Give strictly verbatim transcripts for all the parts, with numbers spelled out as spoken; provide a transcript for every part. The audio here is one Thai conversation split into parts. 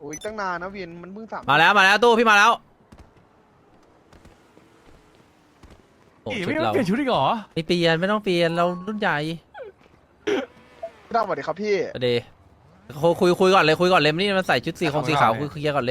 อ้ยตั้งนานนะเวียนมันเพิ่งสามมาแล้วมาแล้วตู้พี่มาแล้วโอ้อีชุไม่ดต้องเราเปลี่ยนชุดอีกเหรอไม่เปลี่ยนไม่ต้องเปลี่ยนเรารุ่นใหญ่พี่ดาวสวัสดีครับพี่เดย์คุยคุยคุยก่อนเลยคุยก่อนเลยนี่มันใส่ชุดสีของสีขาวคุยเคลียร์ก่อนเลย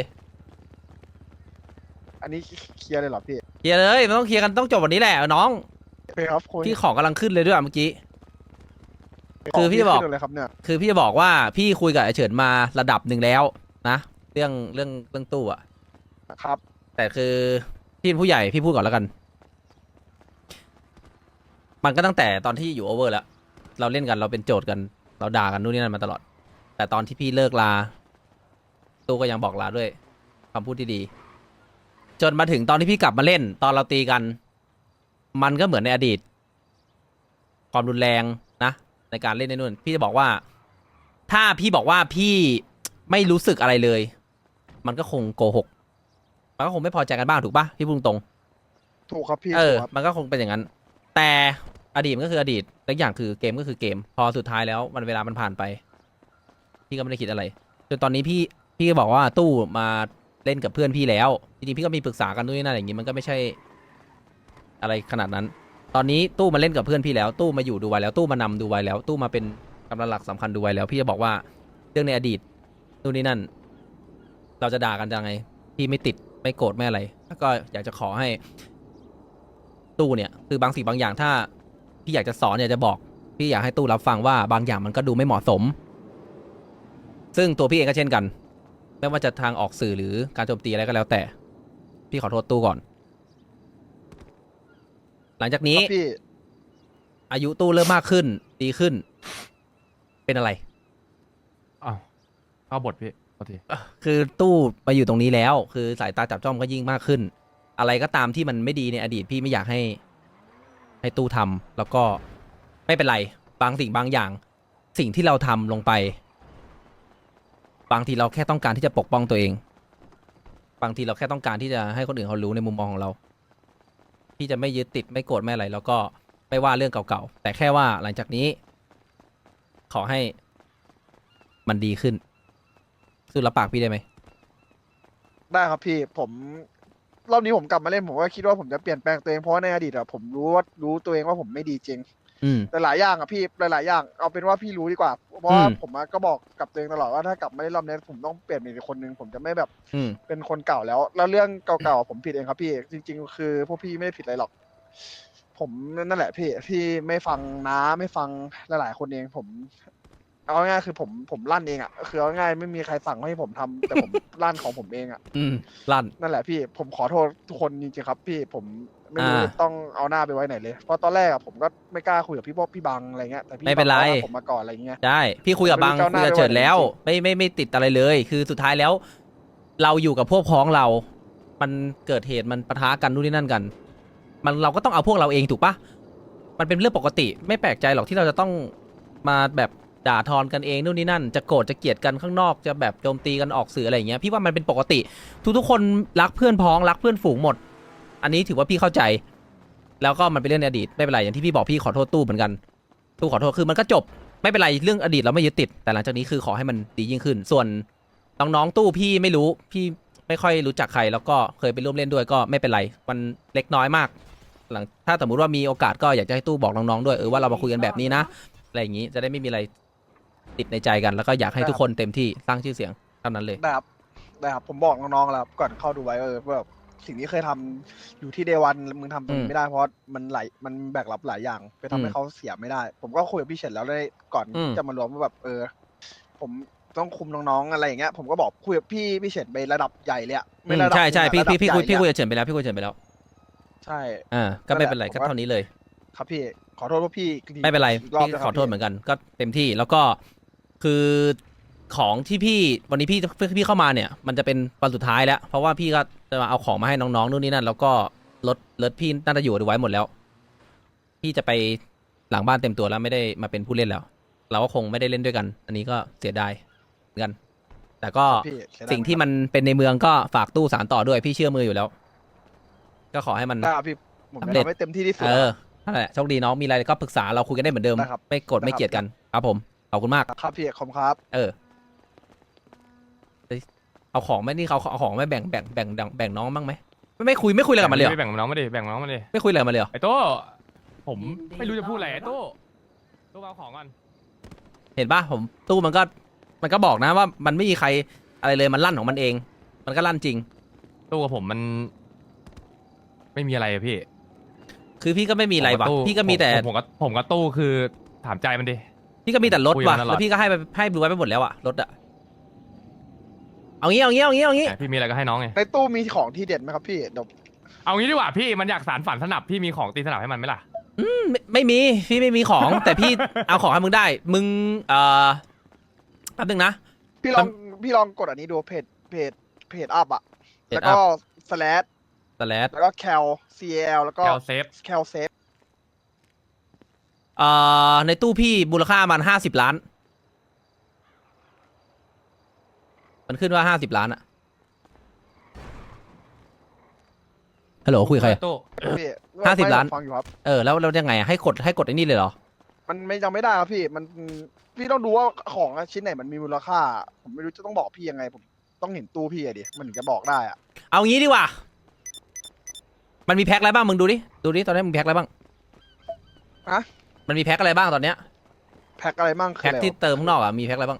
อันนี้เคลียร์เลยเหรอพี่เคลียร์เลยมันต้องเคลียร์กันต้องจบวันนี้แหละน้องโอเคครับคุยพี่ของกำลังขึ้นเลยด้วยเมื่อกี้ คือพี่บอกขึ้นเลยครับเนี่ยคือพี่จะบอกว่าพี่คุยกับไอเฉินมาระดับหนึ่งแล้วนะเรื่องเรื่องเรื่องตู้อะครับแต่คือพี่เป็นผู้ใหญ่พี่พูดก่อนแล้วกัน มันก็ตั้งแต่ตอนที่อยู่โอเวอร์แล้วเราเล่นกันเราเป็นโจทย์กันเราด่ากันนู่นนี่นั่นมาตลอด แต่ตอนที่พี่เลิกลาตู้ก็ยังบอกลาด้วยคำพูดที่ดี จนมาถึงตอนที่พี่กลับมาเล่น ตอนเราตีกัน มันก็เหมือนในอดีต ความรุนแรงนะในการเล่นในนู่นพี่จะบอกว่า ถ้าพี่บอกว่าพี่ไม่รู้สึกอะไรเลย มันก็คงโกหกมันก็คงไม่พอใจกันบ้างถูกปะพี่พูดตรงถูกครับพี่เออถูกครับมันก็คงเป็นอย่างนั้น แต่อดีตมันก็คืออดีตและอย่างคือเกมก็คือเกม พอสุดท้ายแล้วมันเวลามันผ่านไป พี่ก็ไม่ได้คิดอะไรจนตอนนี้พี่พี่ก็บอกว่าตู้มาเล่นกับเพื่อนพี่แล้วจริงๆพี่ก็มีปรึกษากันด้วยนั่นอย่างนี้มันก็ไม่ใช่อะไรขนาดนั้น ตอนนี้ตู้มาเล่นกับเพื่อนพี่แล้ว ตู้มาอยู่ดูไว้แล้วตู้มานำดูไว้แล้ว ตู้มาเป็นกำลังหลักสำคัญดูไว้แล้ว พี่จะบอกว่าเรื่องในอดีตนู่นนี่นั่น เราจะด่ากันยังไง พี่ไม่ติดไม่โกรธไม่อะไรแล้วก็อยากจะขอให้ ตู้เนี่ยคือบางสิ่งบางอย่างถ้าพี่อยากจะสอนอยากจะบอกพี่อยากให้ตู้รับฟังว่าบางอย่างมันก็ดูไม่เหมาะสม ซึ่งตัวพี่เองก็เช่นกันไม่ว่าจะทางออกสื่อหรือการโจมตีอะไรก็แล้วแต่ พี่ขอโทษตู้ก่อน หลังจากนี้ครับพี่อายุตู้เริ่มมากขึ้นดีขึ้น เป็นอะไรอ้าวเข้าบทพี่โอเคคือตู้มาอยู่ตรงนี้แล้ว คือสายตาจับจ้องก็ยิ่งมากขึ้น อะไรก็ตามที่มันไม่ดีในอดีตพี่ไม่อยากให้ ให้ตู้ทำแล้วก็ไม่เป็นไรบางสิ่งบางอย่าง สิ่งที่เราทำลงไป บางทีเราแค่ต้องการที่จะปกป้องตัวเอง บางทีเราแค่ต้องการที่จะให้คนอื่นเขารู้ในมุมมองของเรา พี่จะไม่ยึดติดไม่โกรธไม่อะไรแล้วก็ไม่ว่าเรื่องเก่าๆแต่แค่ว่าหลังจากนี้ ขอให้มันดีขึ้นสู้รับปากพี่ได้ไหมได้ครับพี่ผมรอบนี้ผมกลับมาเล่นผมก็คิดว่าผมจะเปลี่ยนแปลงตัวเองเพราะว่าในอดีตอะผมรู้ว่ารู้ตัวเองว่าผมไม่ดีจริงอืมแต่หลายอย่างอะพี่หลายๆอย่างเอาเป็นว่าพี่รู้ดีกว่า เพราะว่าอืมผมอะก็บอกกับตัวเองตลอดว่าถ้ากลับมาเล่นรอบนี้ผมต้องเปลี่ยนเป็นอีกคนนึงผมจะไม่แบบอืมเป็นคนเก่าแล้ว แล้วเรื่องเก่าๆผมผิดเองครับพี่จริง ๆ คือพวกพี่ไม่ได้ผิดอะไรหรอก ผมนั่นแหละพี่ที่ไม่ฟังน้าไม่ฟังหลายๆคนเองผม เอาง่ายๆคือผมผมลั่นเองอ่ะคือเอาง่ายๆไม่มีใครสั่งให้ผมทำแต่ผม ลั่นของผมเองอ่ะอืมลั่นนั่นแหละพี่ผมขอโทษทุกคนจริงๆครับ พี่ผมไม่รู้อ่าจะต้องเอาหน้าไปไว้ไหนเลยเพราะตอนแรกอะผมก็ไม่กล้าคุยกับพี่พวกพี่บังอะไรเงี้ยแต่พี่ไม่เป็นไรบังเขาว่าผมมาก่อนอะไรเงี้ยได้พี่คุยกับบังไม่รู้คุยกับจะเอาหน้าเฉินแล้วไปไว้ไหนไม่ไม่ไม่ติดอะไรเลย คือสุดท้ายแล้ว เราอยู่กับพวกพ้องเรา มันเกิดเหตุมันปะทะกันนู่นนี่นั่นกัน มันเราก็ต้องเอาพวกเราเองถูกปะมันเป็นเรื่องปกติ ไม่แปลกใจหรอกที่เราจะต้องมาแบบด่าทอนกันเองนู่นนี่นั่น จะโกรธจะเกลียดกันข้างนอกจะแบบโจมตีกันออกสื่ออะไรอย่างเงี้ยพี่ว่ามันเป็นปกติ ทุกๆคนรักเพื่อนพ้องรักเพื่อนฝูงหมด อันนี้ถือว่าพี่เข้าใจ แล้วก็มันเป็นเรื่องในอดีตไม่เป็นไรอย่างที่พี่บอกพี่ขอโทษตู้เหมือนกัน ตู้ขอโทษคือมันก็จบไม่เป็นไรเรื่องอดีตเราไม่ยึดติดแต่หลังจากนี้คือขอให้มันดียิ่งขึ้น ส่วนน้องๆตู้พี่ไม่รู้พี่ไม่ค่อยรู้จักใครแล้วก็เคยไปร่วมเล่นด้วยก็ไม่เป็นไรมันเล็กน้อยมากหลังถ้าสมมติว่ามีโอกาสก็อยากจะให้ตู้บอกน้องๆด้วยเออว่าเรามาคุยกันแบบนี้นะอะไรอย่างนี้จะได้ไม่มีอะไรติดในใจกัน แล้วก็อยากให้ทุกคนเต็มที่สร้างชื่อเสียงเท่านั้นเลยได้ครับได้ครับผมบอกน้องๆแล้วครับก่อนเข้าดูไว้เออแบบสิ่งที่เคยทำอยู่ที่เดวันมึงทำตรงอืนี้มไม่ได้เพราะมันหลายมันแบกรับหลายอย่างไปทำให้อืมเขาเสียไม่ได้ ผมก็คุยกับพี่เฉินแล้วได้ก่อนอืมที่จะมารวมว่าแบบเออ ผมต้องคุมน้องๆอะไรอย่างเงี้ยผมก็บอกคุยกับพี่พี่เฉินไประดับใหญ่เลยอะอืไม่มระดับใช่ใช่หนึ่พี่งอะพี่พี่คุยระดับพี่คุยใหญ่กับเฉินไปแล้วพี่คุยกับเฉินไปแล้วใช่อ่าก็ไม่เป็นไรก็เท่านี้เลยครับพี่ขอโทษว่าพี่ไม่เป็นไรอีกรอบพี่นะคขรัอบ โทษเหมือนกันก็เต็มที่แล้วก็คือของที่พี่วันนี้พี่พี่เข้ามาเนี่ย มันจะเป็นวันสุดท้ายแล้ว เพราะว่าพี่ก็จะมาเอาของมาให้น้องๆนู่นนี่นั่นแล้วก็รถรถพี่น่าจะอยู่ไว้หมดแล้ว พี่จะไปหลังบ้านเต็มตัวแล้วไม่ได้มาเป็นผู้เล่นแล้ว เราก็คงไม่ได้เล่นด้วยกัน อันนี้ก็เสียดายเหมือนกัน แต่ก็พี่เสียดายสิ่งที่มันเป็นในเมืองก็ฝากตู้สารต่อด้วยพี่เชื่อมืออยู่แล้ว ก็ขอให้มันได้ครับพี่ผมสำจะเร็จทำให้เต็มที่ที่สุดเออนั่นแหละโชคดีน้องมีอะไรก็ปรึกษาเราคุยกันได้เหมือนเดิมได้ครับไม่โกรธได้ครับไม่เกลียดกันครับผมขอบคุณมากครับพี่ขอบคุณครับเออเฮ้ยเอาของไหมนี่เขาเอาของไหมแบ่งแบ่งแบ่งแบ่งแบ่งน้องบ้างไหมไม่ไม่คุยไม่คุยอะไรกับมันเลยเหรอแบ่งน้องมาดิแบ่งน้องมาดิไม่คุยอะไรกับมันเลยเหรอไอ้โต้ผมไม่รู้จะพูดอะไรไอ้โต้โต้เอาของก่อนเห็นปะผมตู้มันก็มันก็บอกนะว่ามันไม่มีใครอะไรเลยมันลั่นของมันเอง มันก็ลั่นจริงตู้กับผมมัน ไม่มีอะไรอะพี่คือพี่ก็ไม่มีอะไรวะผมกับตู้พี่ก็มีแต่ผมผมกับผมกับตู้คือถามใจมันดิพี่ก็มีแต่รถคุยกัว่ะนตลอดแล้วพี่ก็ให้ไปให้ดูไว้ไปหมดแล้วอะรถอะเอางี้เอางี้เอางี้เอางี้แต่พี่มีอะไรก็ให้น้องไงในตู้มีของที่เด็ดไหมครับพี่เดี๋ยวเอางี้ดีกว่าพี่มันอยากสารฝันสนับพี่มีของตีสนับให้มันไหมล่ะไม่ไม่มีพี่ไม่มีของ แต่พี่เอาของให้มึงได้ มึงเอ่อแป๊บนึงนะพี่ลองพี่ลองกดอันนี้ดูเพจเพจเพจอัพอะเพจแล้วก็ slash สแลดแล้วก็ cal cl แล้วก็แคลเซฟ cal save เอ่อในตู้พี่มูลค่ามันห้าสิบล้าน มันขึ้นว่าห้าสิบล้านอะฮัลโหลคุยกับใครอะตู้พี่ห้าสิบไม่ล้านฟังอยู่ครับเออแล้วแล้วยังไงอะให้กดให้กดไอ้นี่เลยเหรอมันไม่ยังไม่ได้ครับพี่มันพี่ต้องดูว่าของชิ้นไหนมันมีมูลค่า ผมไม่รู้จะต้องบอกพี่ยังไง ผมต้องเห็นตู้พี่อะดิมันถึงจะบอกได้อะเอางี้ดีกว่า มันมีแพ็คอะไรบ้างมึงดูดิ ดูดิตอนนี้มึงแพ็คอะไรบ้างอะมันมีแพ็คอะไรบ้างตอนเนี้ยแพ็คอะไรมั่งคือแพ็คอะไรที่วะเติมข้างนอกอะมีแพ็คอะไรบ้าง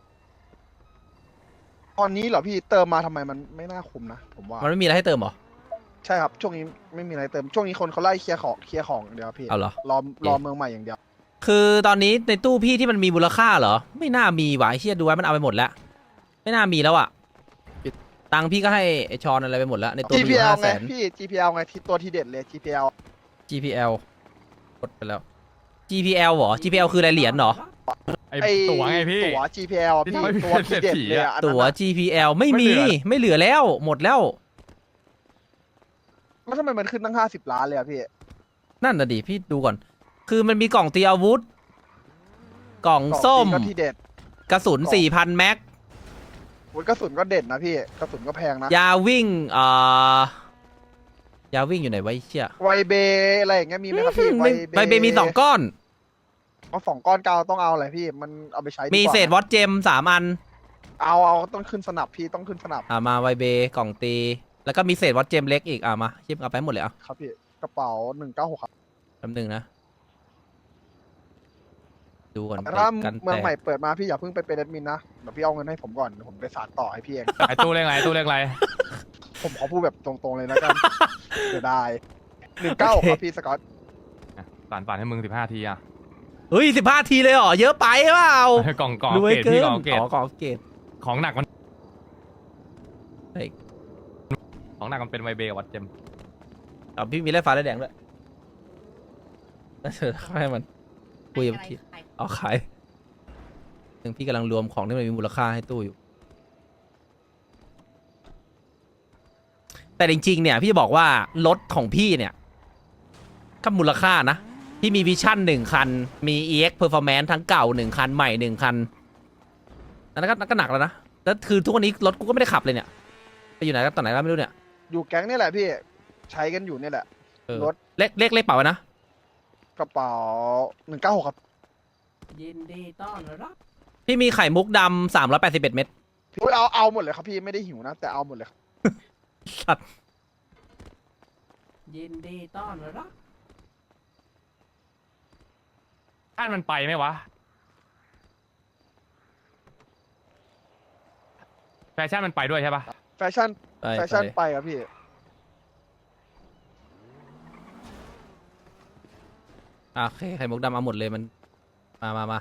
ตอนนี้เหรอพี่เติมมาทำไมมันไม่น่าคุ้มนะผมว่ามันไม่มีอะไรให้เติมเหรอใช่ครับช่วงนี้ไม่มีอะไรเติมช่วงนี้คนเขาไล่เคลียร์ของเคลียร์ของอย่างเดียวครับพี่เอาเหรอรอรอเมืองใหม่อย่างเดียวคือตอนนี้ในตู้พี่ที่มันมีมูลค่าเหรอ ไม่น่ามีว่ะไอ้เชี่ยดูไว้มันเอาไปหมดแล้ว ไม่น่ามีแล้วอะตังค์พี่ก็ให้ไอชอนอะไรไปหมดแล้ว ในตัวมีอยู่จี พี แอลห้าไงแสนพี่ จี พี แอล ไงที่ตัวที่เด็ดเลย จี พี แอลจี พี แอล กดไปแล้ว จี พี แอล เหรอ จี พี แอล คืออะไรเหรียญเหรอไอ้ไอตั๋วไงพี่ตั๋ว จี พี แอลที่พี่ทำให้ตัวที่เด็ดเลยอะอันนั้นตั๋วอะจี พี แอล ไม่มีไม่เหลือไม่เหลือแล้ว หมดแล้วแล้วทำไมมันขึ้นตั้งห้าสิบล้านเลยอะพี่นั่นน่ะดิพี่ดูก่อน คือมันมีกล่องตีอาวุธ กล่องส้มกล่องจริงก็ที่เด็ดกระสุนกล่องสี่พัน แม็กโอ้ยกระสุนก็เด็ดนะพี่กระสุนก็แพงนะยาวิ่งเอ่อยาวิ่งอยู่ไหนไวะไอ้เชี่ยไวเบอะไรอย่างเงี้ยมีไหมครับพี่ไม่ใบเบมีสองก้อนเอาสองก้อนกาวต้องเอาอะไรพี่มันเอาไปใช้ดีกว่ามีเศษวอตเจมสามอันเอาเอาต้องขึ้นสนับพี่ต้องขึ้นสนับอ่ามาไวเบกล่องตี แล้วก็มีเศษวอตเจมเล็กอีกอ่ามาชิปเอาไปหมดเลยอ่ะครับพี่กระเป๋าหนึ่งเก้าหกครับแป๊บนึงนะ ดูก่อนแต่ถ้ากันเมืองแตใหม่กเปิดมาพี่อย่าเพิ่งไปเป็นแอดมินนะเดี๋ยวพี่เอาเงินให้ผมก่อนเดี๋ยวผมไปสานต่อให้พี่เองไอ้ตู้เลขอะไรตู้เลขอะไรผมขอพูดแบบตรงๆเลยนะกัน เสียดายหนึ่งเก้าครับพี่สกอตอ่ะสารฝันให้มึงสิบห้าทีอ่ะเฮ้ยสิบห้าทีเลยเหรอ เยอะไปเปล่ากล่องกล่องรวยเกรดเกิพี่นกล่องเกรดอ๋อกล่องเกตของหนักมันเฮ้ยของหนักมันเป็นไวเบกับวัดเจมอ๋อพี่มีแร่ฟ้าแร่แดงด้วยน่าจะให้มันคุยกับพี่เอาขายหนึ่งพี่กำลังรวมของที่มันมีมูลค่าให้ตู้อยู่ แต่จริงๆเนี่ยพี่จะบอกว่ารถของพี่เนี่ยก็มูลค่านะ พี่มีวิชั่นหนึ่งคัน มี อี เอ็กซ์ Performance ทั้งเก่าหนึ่งคันใหม่หนึ่งคันอันนั้นก็ก็หนักแล้วนะ แล้วคือทุกวันนี้รถกูก็ไม่ได้ขับเลยเนี่ย ไปอยู่ไหนกันตอนไหนแล้วไม่รู้เนี่ยอยู่แก๊งนี่แหละพี่ใช้กันอยู่นี่แหละเออรถเลขเลขเลขเป๋าไว้นะกระเป๋าหนึ่งเก้าหกครับยินดีต้อนรับพี่มีไข่มุกดำสามร้อยแปดสิบเอ็ดเม็ดพี่เอาเอาหมดเลยครับพี่ไม่ได้หิวนะแต่เอาหมดเลยครับสัตว์ยินดีต้อนรับท่านมันไปไหมวะแฟชั่นมันไปด้วยใช่ปะแฟชั่นไปแฟชั่นไปไปครับพี่อ่ะโอเคไข่มุกดำเอาหมดเลยมัน มามามา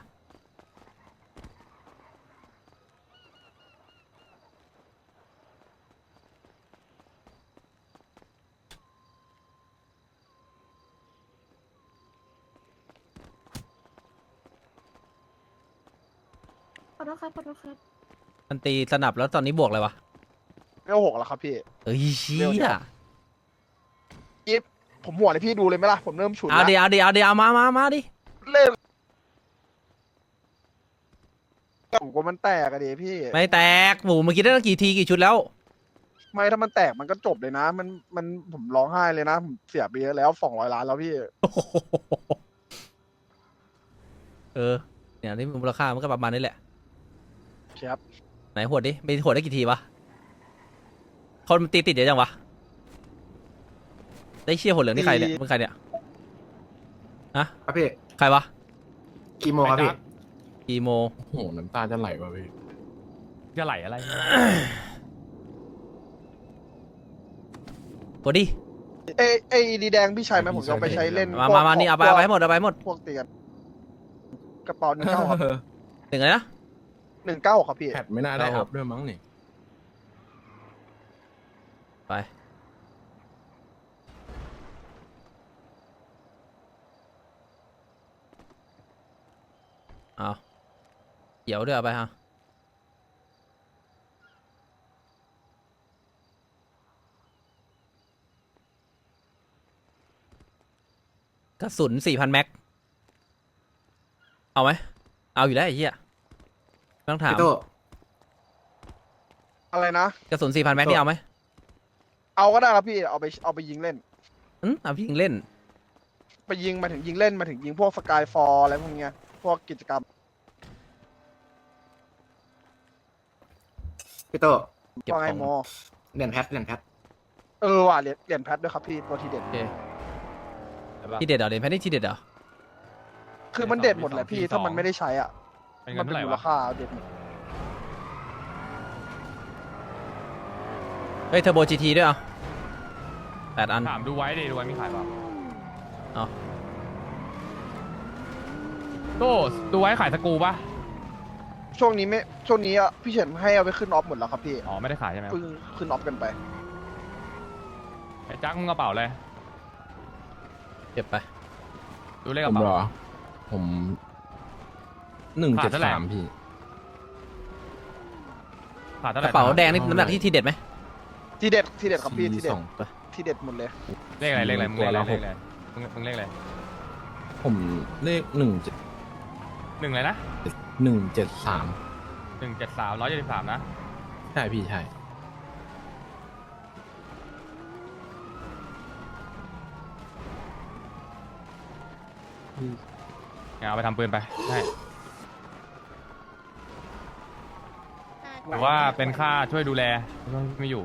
ขอโทษครับขอโทษครับมันตีสนับแล้วตอนนี้บวกอะไรวะเวลหกแล้วครับพี่เอ้ยเชี่เร็วเดี๋ยยว กิฟผมหัวเลยพี่ดูเลยไหมล่ะผมเริ่มฉุนเอาแล้วเดี๋ยวเอาเดี๋ยวเอาเดี๋ยวเอามามามาดิเล่นผมกลัวมันแตกอะดิพี่ไม่แตกหมูเมื่อกี้ได้ตั้งกี่ทีกี่ชุดแล้วไม่ถ้ามันแตกมันก็จบเลยนะ มันมันผมร้องไห้เลยนะผมเสียไปเยอะแล้วสองร้อยล้านแล้วพี่เออเนี่ยนี่มูลค่ามันก็ประมาณนี้แหละครับไหนหวดดิไปหวดได้กี่ทีวะคนมันตีติดเยอะจังวะได้เชี่ยหัวเหลืองนี่ใครเนี่ยมึงใครเนี่ยฮะครับพี่ใครวะกี่โมงครับพี่อีโมโอ้โหน้ำตาจะไหลว่ะพี่จะไหลอะไรกดดิเอเอดีแดงพี่ชายไหมผมจะเอาไปใช้เล่นมาพวกมามานี่เอาไปพวกเอาไปให้หมดเอาไปให้หมดพวกเตียนกระเป๋าหนึ่งเก้าครับหนึ่งเลยนะหนึ่งเก้าครับพี่แพทไม่น่าได้อัพด้วยมั้งนี่ไปเอาเขียวด้วยเอาไปฮะกระสุนสี่พันแม็ก เอาไหม เอาอยู่แล้วไอ้เหี้ยไม่ต้องถามพี่โตอะไรนะกระสุนสี่พันแม็กนี่เอาไหมเอาก็ได้ครับพี่เอาไปเอาไปยิงเล่นอืมเอาพี่ยิงเล่นไปยิงมาถึงยิงเล่นมาถึงยิงพวกสกายฟอร์อะไรพวกเนี้ยพวกกิจกรรมพี่โตเก็บว่าไงของโมเหรียญแพทเหรียญแพทเออว่ะเหรียญเหรียญแพทด้วยครับพี่ตัวทีเด็ดโอเคที่เด็ดเหรอเด่นแพทนี่ที่เด็ดเหรอคือมันเด็ดหมดแหละพี่ถ้ามันไม่ได้ใช้อ่ะเป็นมัเงินเป็นเท่าไหร่มูลวะค่าเด็ดหมดเฮ้ยเทอร์โบจีทีด้วยเหรอ่ะแปดอันถามดูไว้ดิดูไว้มีขายเปล่าเอาโต้ดูไว้ขายสกรูป่ะช่วงนี้ไม่ช่วงนี้อ่ะพี่เฉินให้เอาไปขึ้นออฟหมดแล้วครับพี่อ๋อไม่ได้ขายใช่ไหมเพิ่งขึ้นออฟกันไปไอ้จักมึงกระเป๋าเลยเก็บไปดูเลขกผระมเป๋าเหรอ ผมหนึ่งขาเจ็ดดเท่าไหร่สามพี่ขาดเท่าก ไหร่ระเป๋าแดงนี่น้ำหนักที่ทีเด็ดไหมทีเด็ดทีเด็ดครับพี่ทีเด็ดสองทีเด็ดหมดเลยเลขอะไรเลขอะไรมึงเลขอะไรตัวละหเลขกอะไรมึงมึงเลขอะไรผมเลขหนึ่งเจ็ดหนึ่งเลยนะหนึ่งเจ็ดสามหนึ่งเจ็ดสามร้อยเจ็ดสิบสามนะใช่พี่ใช่เอาไปทำปืนไปใช่หรือว่าเป็นค่าช่วยดูแลช่วงที่ไม่อยู่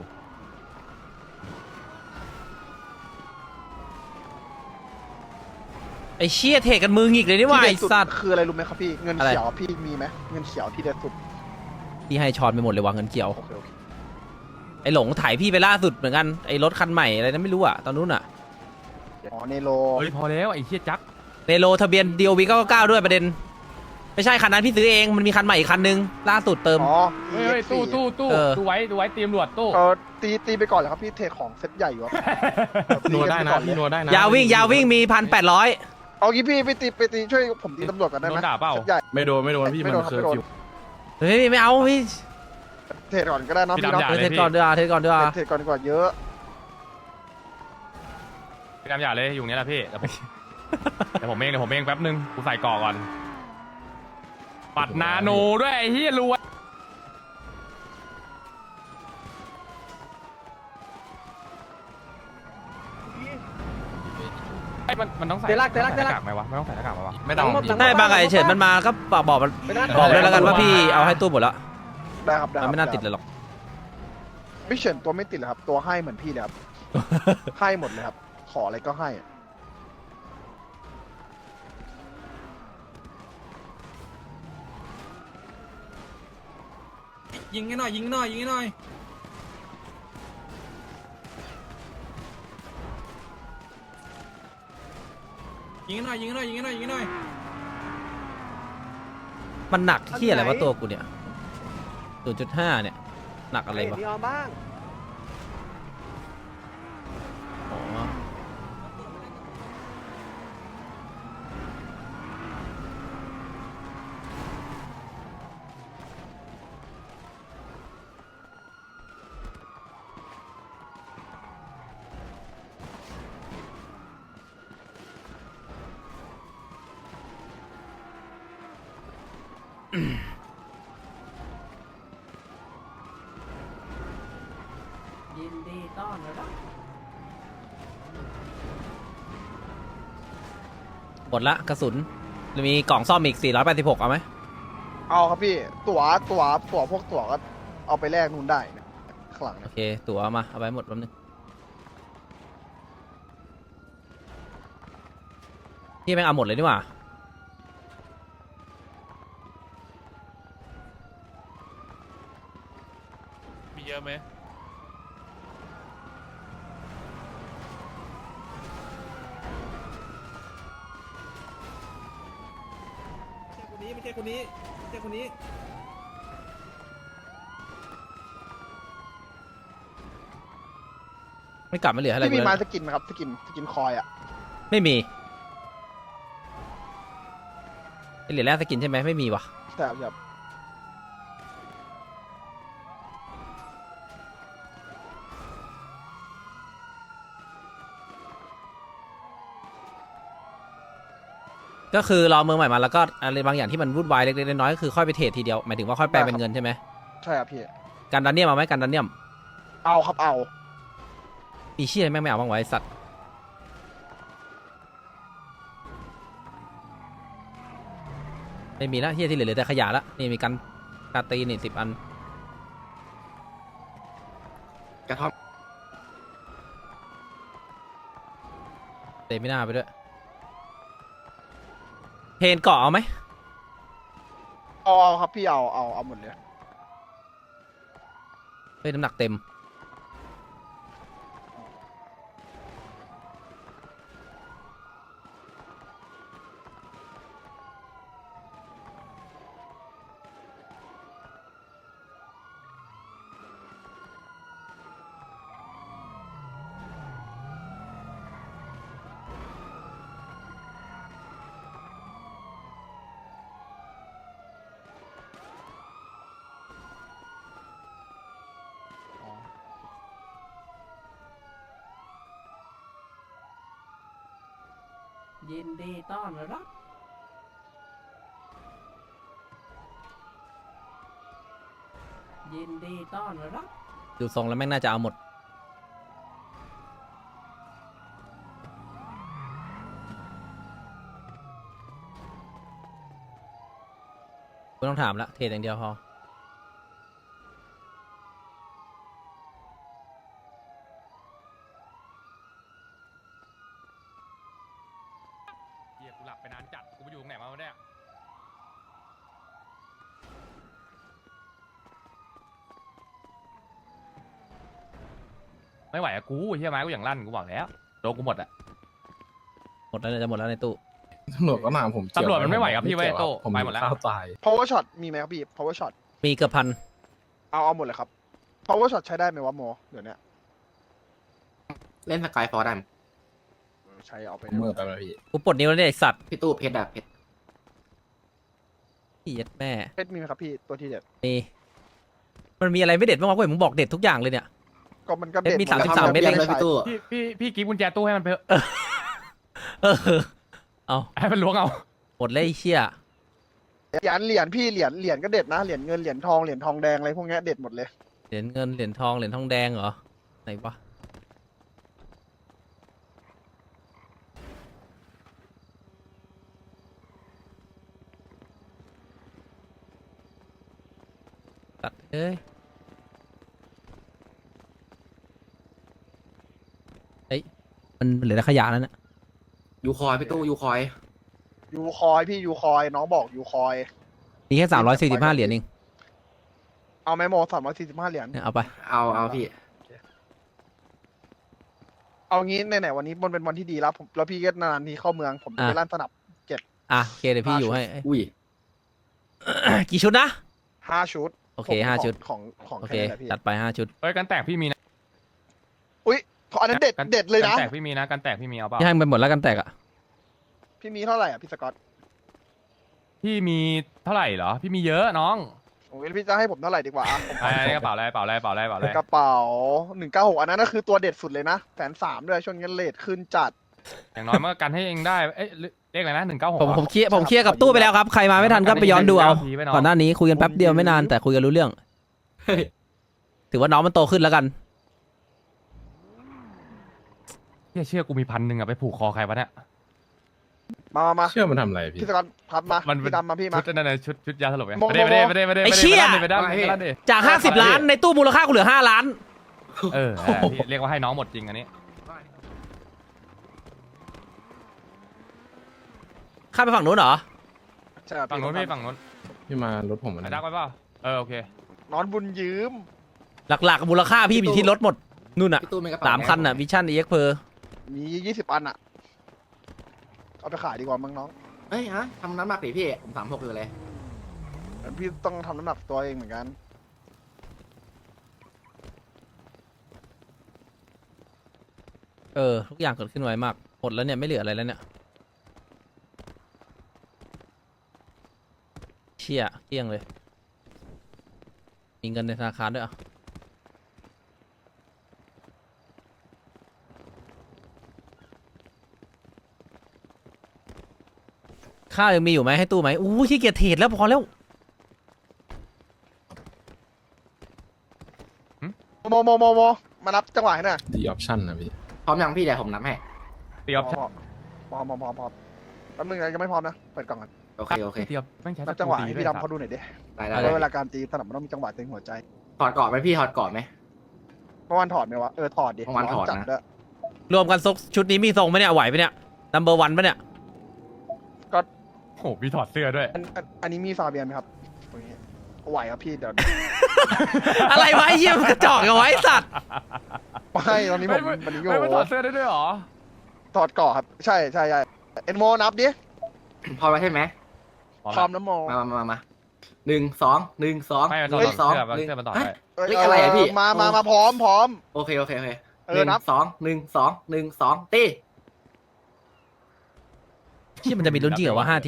ไอ้เชี่ยเทกันมือหงิกเลยนี่หว่าที่ไอ้เด็ดสุดสัตว์คืออะไรรู้ไหมครับพี่เงินอะไรเขียวพี่มีไหมเงินเขียวที่เด็ดสุดพี่ให้ช้อนไปหมดเลยว่ะเงินเกี่ยวโอเคโอเคไอ้หลงถ่ายพี่ไปล่าสุดเหมือนกันไอ้รถคันใหม่อะไรนั้นไม่รู้อะตอนนู้นอะอ๋อเนโรเฮ้ยพอแล้วไอ้เชี่ยจักเนโรทะเบียนดีโอวีเก้าเก้าด้วยประเด็น ไม่ใช่คันนั้นพี่ซื้อเองมันมีคันใหม่อีกคันนึงล่าสุดเติมอ๋อเฮ้ยเฮ้ยตู้ตู้ตู้เออดูไว้ดูไว้เตรียมรวดตู้เออตีตีไปก่อนเลยครับพี่เทของเซ็ตใหญ่อยู่ครับนัวได้นะพี่นัวได้นะยาววิ่งยาววิ่งมีพันแปดร้อยเอางี้พี่ไปตีไปตีช่วยผมตีตำรวจกันได้ไหมโดนด่าเปล่าซ็ตใหญ่ไม่โดนไม่โดนพี่ไม่มันโดนครับเคอร์ไม่โดนฟิวเฮ้ยไม่เอาพี่เทรดก่อนก็ได้เนอะพี่พี่ดำเนาะอย่าเออเลยเทสพี่ก่อนด้วยเทสก่อนด้วยเทรดก่อนดีกว่าเยอะพี่ดำอย่าเลยอยู่นี่แหละพี่เดี๋ยวผม เดี๋ยวผมเองเดี๋ยวผมเองแป๊บนึงกูใส่เกาะก่อนปัดนาโนด้วยไอ้เฮียรวยไอ้มันมันต้องใส่เตลักเตลักหน้ากากไหมวะไม่ต้องใส่หน้ากากไหมวะไม่ต้องพี่ได้บางไอ้เฉินมันมาก็บอกบอกมันบอกเลยแล้วกันว่าพี่เอาให้ตู้หมดแล้วได้ครับได้คมัรับนไม่น่าติดเลยหรอกพี่เฉินตัวไม่ติดเลยครับ ตัวให้เหมือนพี่เลยครับ ให้หมดเลยครับ ขออะไรก็ให้ยิงให้หน่อยยิงให้หน่อยยิงให้หน่อยยิงให้หน่อยยิงให้หน่อยยิงให้หน่อยยิงให้หน่อยมันหนักที่อะไรวะตัวกูเนี่ยศูนย์จุดห้าเนี่ยหนักอะไรวะอ๋ออืมยินดีต้อนรับหมดละกระสุนมีกล่องซ่อมอีกสี่ร้อยแปดสิบหกเอาไหมเอาครับพี่ ตั๋วตั๋วตั๋วพวกตั๋วก็เอาไปแลกนู่นได้นะคางหลังโอเนี่ยเค ตั๋วเอามาเอาไปหมดแป๊บนึงพี่แม่งเอาหมดเลยดีกว่ามีเยอะไหมคนนี้ไม่ใช่คนนี้ไม่ใช่คนนี้ไม่กลับไม่เหลืออะไรพี่มีกูไม้แล้วสกินไหมครับสกินสกินคอยอ่ะไม่มีไอเหรียญแรกสกินใช่ไหมไม่มีวะแต่แบบก็คือรอเมืองใหม่มาแล้วก็อะไรบางอย่างที่มันวุ่นวายเล็กๆน้อยๆก็คือค่อยไปเทรดทีเดียวหมายถึงว่าค่อยแปลเป็นเงินใช่ไหมใช่ครับพี่การดันเนียมเอาไหมการดันเนียมเอาครับเอามีเชี่ยแม่งไม่เอาบ้างไวะไอ้สัตว์ไม่มีละเฮียที่เหลือเหลือแต่ขยะละนี่มีกันกาตีนี่สิบอันกระท่อมเตะไม่น่าไปด้วยเพนเกาะเอาไหมเอาเอาครับพี่เอาเอาเอาหมดเลยเฮ้ยน้ำหนักเต็มอ๋อยินดีต้อนรับ ยินดีต้อนรับดูทรงแล้วแม่งน่าจะเอาหมดไม่ต้องถามละเทรดอย่างเดียวพอเฮียกูหลับไปนานจัดกูไปอยู่ตรงไหนมาวะเนี่ยไม่ไหวอะกูเฮียไม้กูอย่างลั่นกูบอกแล้วโดนกูหมดอะหมดแล้วเนี่ยจะหมดแล้วในตู้ตำรวจก็นามผมเกี่ยวตำรวจมันไม่ไหวครับพี่เกี่ยไว้โต้ผมไปหมดแล้วข้าวตาย power shot มีไหมครับพี่ power shot มีเกือบพันเอาเอาหมดเลยครับ power shot ใช้ได้ไหมวะโมเดี๋ยวเนี้ยเล่นสกายฟอร์ได้ไหมเออใช้เอาไปผมมือไปแล้วพี่กูปลดนิ้วแล้วเนี่ยไอสัตว์พี่ตู้เพชรอะเพชรพี่ยัดแม่เพชรมีไหมครับพี่ตัวที่เด็ดนี่มันมีอะไรไม่เด็ดบ้างวะกูเห็นมึงบอกเด็ดทุกอย่างเลยเนี่ยก็มันก็เด็ดเพชรมีหดแล้วสามสิบสามครับเม็ดเองเลยพี่ตู้พี่พี่พี่กิ๊บกุญแจตู้ให้มันไปเถอะเออเอาให้มันล้วงเอาหมดเลยไอ้เชี่ยเหรียญเหรียญพี่เหรียญเหรียญก็เด็ดนะเหรียญเงินเหรียญทองเหรียญทองแดงอะไรพวกเนี้ยเด็ดหมดเลยเหรียญเงินเหรียญทองเหรียญทองแดงเหรอไหนวะตัดเอ้ยเอ้ยมันเหลือแต่ขยะแล้วเนี่ยยูคอยพี่ตู้ยูคอยยูคอยพี่ยูคอยน้องบอกยูคอยมีแค่สามร้อยสี่สิบห้าเหรียญเองเอาไหมโมสามร้อยสี่สิบห้าเหรียญเนี่ยเอาไปเอาเอาพี่เอางี้ไหนๆวันนี้มันเป็นวันที่ดีแล้วผมแล้วพี่ก็นานๆทีเข้าเมืองผมจะไปอ่ะลั่นสนับอ่ะโอเคเดี๋ยวพี่อยู่ให้เอ้ยอุ้ยกี่ชุดนะห้าชุดโอเคผมห้าของชุดของของโอแค่เคนี้แหละพี่จัดไปห้าชุดเฮ้ยกันแตกพี่มีนะอุ้ยขออันนั้นเด็ดกันเด็ดเลยนะกันแตกพี่มีนะกันแตกพี่มีเอาเปล่าพี่ให้มันไปหมดแล้วกันแตกอ่ะพี่มีเท่าไหร่อ่ะพี่สกอตพี่มีเท่าไหร่เหรอพี่มีเยอะน้องโอ้ยพี่จะให้ผมเท่าไหร่ดีกว่าอ่ะผมไอ้กระเป๋าอะไรกระเป๋าอะไรกระเป๋าอะไรกระเป๋าอะไรกระเป๋าหนึ่งเก้าหกอันนั้นก็คือตัวเด็ดสุดเลยนะแสนสามด้วยช่วงนี้เลทขึ้นจัดอย่างน้อยมันก็กันให้เองได้เอ้ยเลขอะไรนะหนึ่งเก้าหกผมผมเคลียร์ผมเคลียร์กับตู้ไปแล้วครับ ใครมาไม่ทันก็ไปย้อนดูเอาทีไว้น้องก่อนหน้านี้คุยกันแป๊บเดียวไม่นานแต่คุยกันรู้เรื่องเฮ้ยถือว่าน้องมันโตขึ้นแล้วกันเชื่อเชื่อกูมีพันหนึ่งอะไปผูกคอใครวะเนี่ยมามามาเชื่อมันทำอะไรพี่พี่สกอตพับมามันเป็นพี่ดำมาพี่มาชุดนั่นน่ะชุดชุดยาสลบไงโมโมไม่ได้ไม่ได้ไม่ได้ไม่ได้ไอ้เชี่ยไม่ได้ไม่ได้ไม่ได้ไม่ได้จากห้าสิบล้านในตู้มูลค่ากูเหลือห้าล้านเออเออพี่เรียกว่าให้น้องหมดจริงอันนี้ข้ามไปฝั่งนู้นเหรอใช่ครับฝั่งนู้นพี่ฝั่งนู้นพี่มารถผมไอ้นะดักไปเปล่าเออโอเคนอนบุญยืมหลักๆมูลค่าพี่อยู่ที่รถหมดนู่นอ่ะพี่ตู้มีกระเป๋าสามคันอ่ะวิชั่นเอ็กเพอร์มียี่สิบอันอ่ะเอาไปขายดีกว่ามั้งน้องเฮ้ยฮะทำน้ำหนักดิพี่ผมสามหกเลยพี่ต้องทำน้ำหนักตัวเองเหมือนกันเออทุกอย่างเกิดขึ้นไวมากหมดแล้วเนี่ยไม่เหลืออะไรแล้วเนี่ยเชี่ยเกลี้ยงเลยมีเงินในธนาคารด้วยอ่ะข้าวยังมีอยู่ไหมให้ตู้ไหมอู้ขี้เกียจเทรดแล้วพอแล้วโมโมโมโมมานับจังหวะให้หน่อยดีออปชั่นนะพี่พร้อมยังพี่เดี๋ยวผมนับให้ตีออฟพร้อมพร้อมพร้อมพร้อมพร้อมแป๊บนึงนะยังไม่พร้อมนะเปิดกล่องก่อนโอเคโอเคตีออฟไม่ใช่นับจังหวะให้พี่ดำเขาดูหน่อยดิได้ได้เพได้ราะเวลาการตีสนับมันต้องมีจังหวะเต็งหัวใจถอดกอดไหมพี่ถอดกอดไหมเมื่อวานถอดไหมวะเออถอดดิเมื่อวานถอดนะจัดด้วยรวมกันซกชุดนี้มีทรงไหมเนี่ยไหวไหมเนี่ยนัมเบอร์วันปะเนี่ยโอ้โหพี่ถอดเสื้อด้วยอันอันอันนี้มีฟาเบียนไหมครับโอเคไหวครับพี่เดี๋ยวอะไรวะไอ้เหี้ยมันกระจอกเอาไว้สัตว์ไม่ตอนนี้ผมไม่วันนี้ไม่โยไม่ถอดเสื้อได้ด้วยเหรอถอดก่อครับใช่ใช่ใช่เอ็นโมนับดิพร้อมแล้วใช่ไหมพร้อมนะโมมามามามาหนึ่งสองหนึ่งสองไม่มันหถอดนึ่งสองเสื้อมันหนึ่งเสื้อมันถอดฮะได้เอ้ยเฮ้ยอะไรอะพี่มามามาพร้อมพร้อมโอเคโอเคโอเคเอหอนึ่งนับสองหนึ่งสองหนึ่งสองตีเชี่ยมันจะมีลุ้นจริงเหรอวะห้าที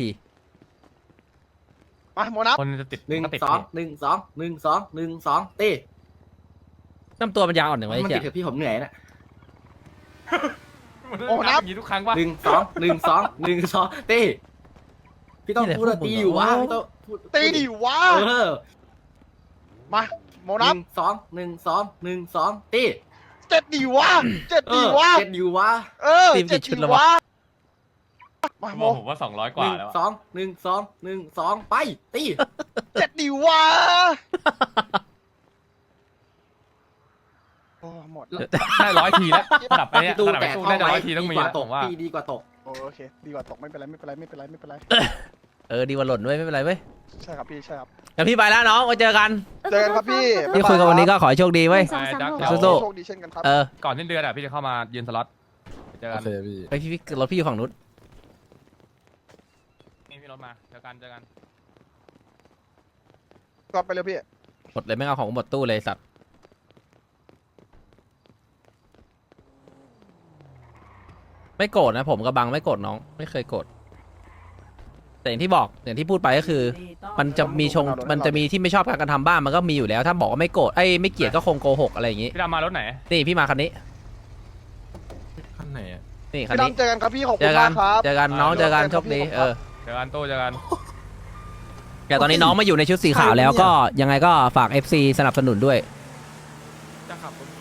มาโมนับคนจะติดหนึ่งก็ติดสองหนึ่งสองหนึ่งสองหนึ่งสองตีน้ำตัวมันยาวอ่อนหนึ่งไว้มันเชี่ติดยเถอะพี่ผมเหนื่อยนะโอ้นับย่างนี้ทุกครั้งป่ะหนึ่งสองหนึ่งสองหนึ่งสองตีพี่ต้องพูดว่าตีอยู่วะพี่ต้องพูดตีดิวะเออมาโมหนับนึ่งสองหนึ่งสองหนึ่งสองตีเจ็ดดิวะเจ็ดเอดิอวะเจ็ดอยู่วะเออเจ็ดดิวะมาโมผมว่าสองร้อยกหว่านึ่งแล้วสอะองหนึ่งสองหนึ่งสองไปตีเจ็ดดิวะโอ้หมดได้ร้อยทีแล้วระดับไปเนี่ยพี่ตู้ระดับไปแต่ตู้ท่อได้งร้ไว้อยทีต้องดีมีกว่าแล้วตผกมว่าพี่ดีกว่าตกโอเคดีกว่าตกไม่เป็นไรไม่เป็นไรไม่เป็นไรไม่เป็นไรเออดีกว่าหล่นด้วยไม่เป็นไรเว้ยใช่ครับพี่ใช่ครับเดี๋ยวพี่ไปแล้วน้องไว้เจอกันเจอกันครับพี่ที่คุยกันวันนี้ก็ขอให้โชคดีเว้ยสองสามหกเดี๋ยวสู้โชคดีเช่นกันครับเออก่อนสิ้นเดือนอ่ะพี่จะเข้ามายืนสล็อตเจอโอกันเคพี่ไปพี่พี่รถพี่อยู่ฝั่งนู้นนี่พี่รถมาเจอกันเจอกันก็ไปเลยพี่หมดเลยไม่เอาของหมดตู้เลยสัตว์ไม่โกรธนะผมกับบังไม่โกรธน้องไม่เคยโกรธแต่อย่างที่บอกอย่างที่พูดไปก็คือ มันจะมีชงมันจะมีที่ไม่ชอบการกระทำบ้างมันก็มีอยู่แล้ว ถ้าบอกว่าไม่โกรธไอ้ยไม่เกลียดก็คงโกหกอะไรอย่างงี้พี่ดำมารถไหนนี่พี่มาคันนี้ขั้นไหนอะนี่คันพี่นี้ดำเจอกันครับพี่ขอบเจคุณอกัมาน กครับเจอกันน้องเจอกันโชคดีเออเจอกันตู้เจอกันแต่ตอนนี้น้องมาอยู่ในชุดสีขาวแล้วก็ยังไงก็ฝาก เอฟ ซี สนับสนุนด้วยจะขับรถ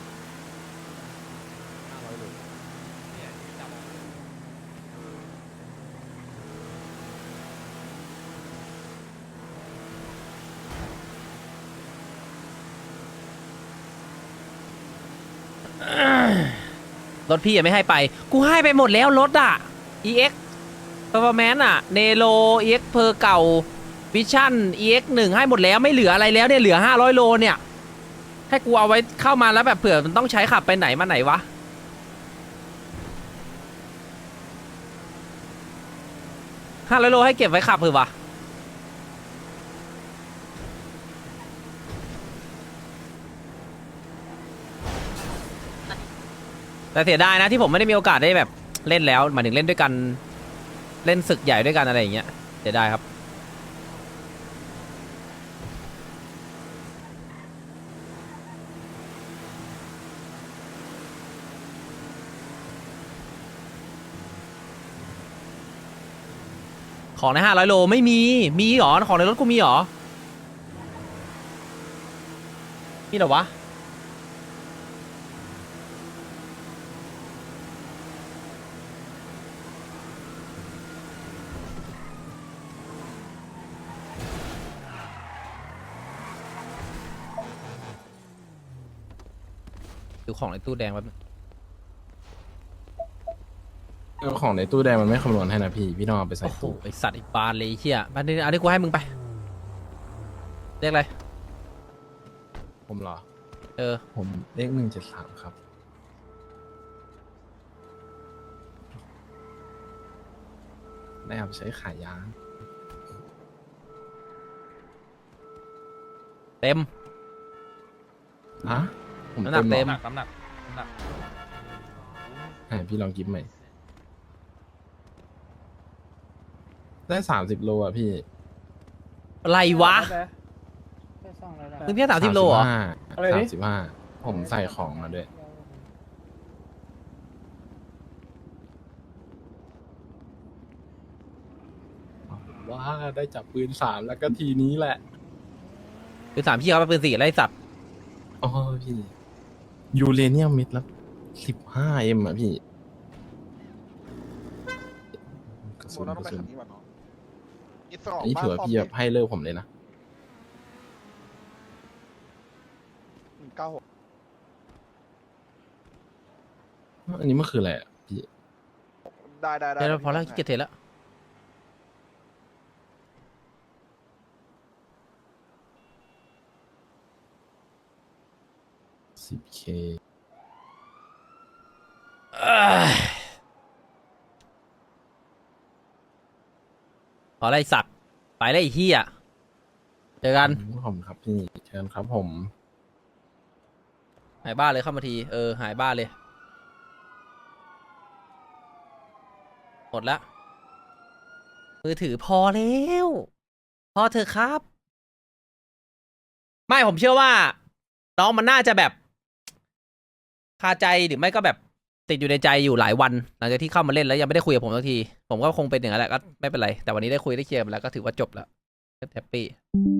รถพี่ยังไม่ให้ไป กูให้ไปหมดแล้วรถอ่ะ อี เอ็กซ์ Performance อ่ะ เนโร อี เอ็กซ์ เพอร์เก่า Vision อี เอ็กซ์ หนึ่งให้หมดแล้วไม่เหลืออะไรแล้วเนี่ยเหลือห้าร้อยโลเนี่ย ให้กูเอาไว้เข้ามาแล้วแบบเผื่อมันต้องใช้ขับไปไหนมาไหนวะ ห้าร้อยโลให้เก็บไว้ขับเผื่อวะ แต่เสียดายนะที่ผมไม่ได้มีโอกาสได้แบบเล่นแล้วหมายถึงเล่นด้วยกันเล่นศึกใหญ่ด้วยกันอะไรอย่างเงี้ยเสียดายครับของในห้าร้อยโลไม่มีมีหรอของในรถกูมีหรอมีเหรอวะดูของในตู้แดงแป๊บนึงเอาของในตู้แดงมันไม่คำนวณให้นะพี่ พี่ต้องเอาไปใส่โอ้โหตู้ไอสัตว์ไอีบานเลยไอ้เฮียมาดิอันนี้กูให้มึงไปเรียกอะไรผมเหรอเออผมเลขหนึ่งเจ็ดสามครับ ได้ครับใช้ขายยาเต็มอะผมน้ำหนักเต็มน้ำหนักน้ำหนักน้ำหนักให้พี่ลองกิฟใหม่ ได้สามสิบโลอ่ะพี่อะไรวะมึงเพี้ยสามสิบโลเหรอสามสิบห้าผมใส่ของมาด้วย ว้าได้จับปืนสามแล้วก็ทีนี้แหละปืนสามพี่เขาไปปืนสี่อะไรไอ้สัตว์อ๋อพี่ ยูเรเนียมเม็ดละสิบห้าเอ็มอ่ะพี่กระโมสุนเรากต้องระไปสุนขันนี้ก่อนเนาะอีกสองอันนี้ถือว่าพี่แบบให้เลิกผมเลยนะหนึ่งเก้าหกอันนี้มันคืออะไรอ่ะพี่ได้ได้ได้เดี๋ยวพอแล้วขี้เกียจเทรดแล้วสิบเคเอ้ยพอแล้วไอสัตว์ไปแล้วไอ้เฮียเจอกันผมครับพี่เชิญครับผมหายบ้านเลยเข้ามาที เออ หายบ้านเลย หมดละ มือถือพอแล้ว พอเถอะครับ ไม่ผมเชื่อว่า น้องมันน่าจะแบบ คาใจหรือไม่ก็แบบติดอยู่ในใจอยู่หลายวัน หลังจากที่เข้ามาเล่นแล้วยังไม่ได้คุยกับผมสักที ผมก็คงเป็นอย่างนั้นแหละก็ไม่เป็นไร แต่วันนี้ได้คุยได้เคลียร์ไปแล้วก็ถือว่าจบแล้วแฮปปี้